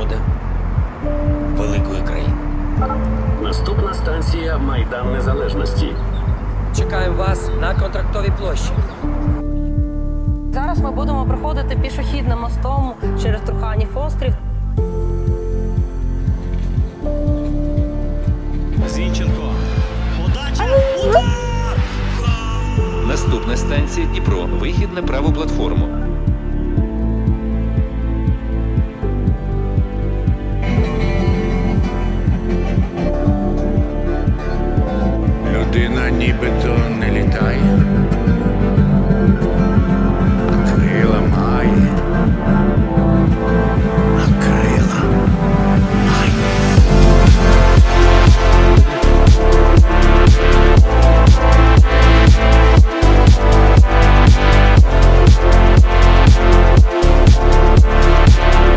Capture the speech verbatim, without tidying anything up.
свобода великої країни. Наступна станція Майдан Незалежності. Чекаємо вас на Контрактовій площі. Зараз ми будемо проходити пішохідним мостом через Труханів острів. Зінченко. Подача! Удар! Наступна станція Дніпро. Вихід на праву платформу.